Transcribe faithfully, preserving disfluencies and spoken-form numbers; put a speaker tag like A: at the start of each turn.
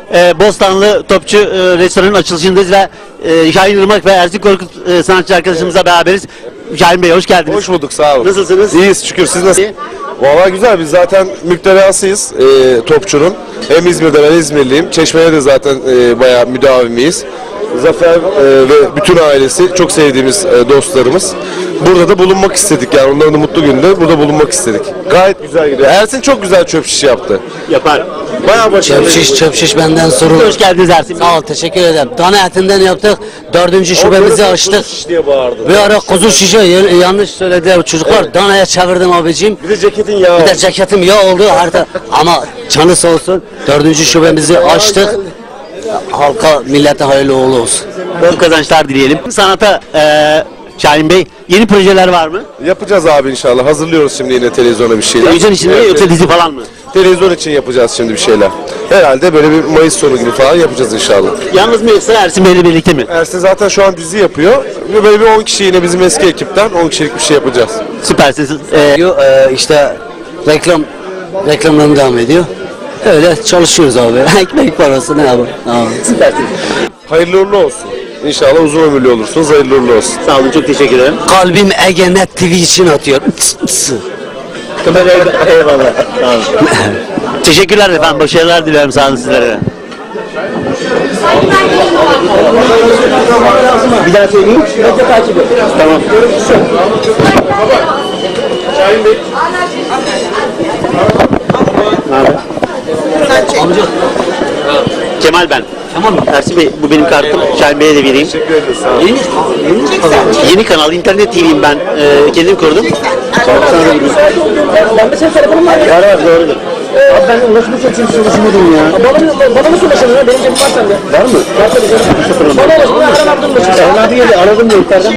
A: e, Bostanlı Topçu e, restoranın açılışındayız ve e, Şahin Irmak ve Ersin Korkut e, sanatçı arkadaşımızla beraberiz. Şahin Bey hoş geldiniz.
B: Hoş bulduk, sağ olun.
A: Nasılsınız?
B: İyiyiz şükür, siz nasılsınız? Valla güzel, biz zaten müptelasıyız e, Topçu'nun. Hem İzmir'de, ben İzmirliyim. Çeşme'de de zaten e, bayağı müdavimiyiz. Zafer e, ve bütün ailesi çok sevdiğimiz e, dostlarımız. Burada da bulunmak istedik, yani onların da mutlu gününde burada bulunmak istedik. Gayet güzel gidiyor. Ersin çok güzel çöp şiş yaptı.
A: Yapar.
B: Bayağı başarılı.
C: Çöp şiş, çöp şiş benden sorulur.
A: Hoş geldiniz Ersin Bey.
C: Sağ ol, teşekkür ederim. Dana etinden yaptık, dördüncü şubemizi açtık.
B: Şiş diye bağırdı.
C: Bir ara kuzu şişe, y- yanlış söylediler çocuklar.
B: Evet.
C: Danaya çevirdim abicim.
B: Bir de ceketin yağı.
C: Bir de ceketim yağ oldu harita. Ama canı sağ olsun, dördüncü şubemizi açtık. Halka, millete hayırlı uğurlu olsun.
A: Bol kazançlar dileyelim. Sanata e, Şahin Bey yeni projeler var mı?
B: Yapacağız abi inşallah. Hazırlıyoruz şimdi yine televizyona bir şeyler.
A: Televizyon için mi
B: Evet,
A: yoksa
B: evet.
A: dizi falan mı?
B: Televizyon için yapacağız şimdi bir şeyler. Herhalde böyle bir Mayıs sonu gibi falan yapacağız inşallah.
A: Yalnız mı yoksa Ersin Bey'le birlikte mi?
B: Ersin zaten şu an dizi yapıyor. Ve böyle bir on kişi yine bizim eski ekipten on kişilik bir şey yapacağız.
A: Süpersiniz. E,
C: Yo, e, işte reklam, reklamlarım devam ediyor. Öyle çalışıyoruz abi. Ekmek parası ne yapalım. Tamam.
A: süpersiniz.
B: Hayırlı uğurlu olsun. İnşallah uzun ömürlü olursunuz. Hayırlı uğurlu olsun.
A: Sağ olun, çok teşekkür ederim.
C: Kalbim Egenet T V için atıyor. Tıs, tıs.
A: Eyvallah. Sağ olun. Teşekkürler efendim. Başarılar diliyorum sağ olun sizlere. Bir daha söyleyeyim. Medya takibi. Tamam. Ne haber? Amca. Kemal ben. Tamam mı? Ersin Bey, bu benim kartım. Şahin Bey'e de vereyim.
B: Teşekkür ederiz. Sağ olun.
C: Yeni, yeni kanal.
A: Yeni kanal, internet T V'yim ben. Ee, kendim kurdum. Sana da vereyim.
D: Ben de senin telefonun var ya.
A: Var var, doğrudur.
D: Abi ben ulaşımı çok çünkü ulaşamadım ya. Bana, bana nasıl ulaşamıyor? Benim cebim var sende.
A: Var mı?
D: Var tabii canım. Bana ulaşamıyor. Aram abdüm ulaşıyor.
A: Erhan abi geldi, aradım da yukarıdan.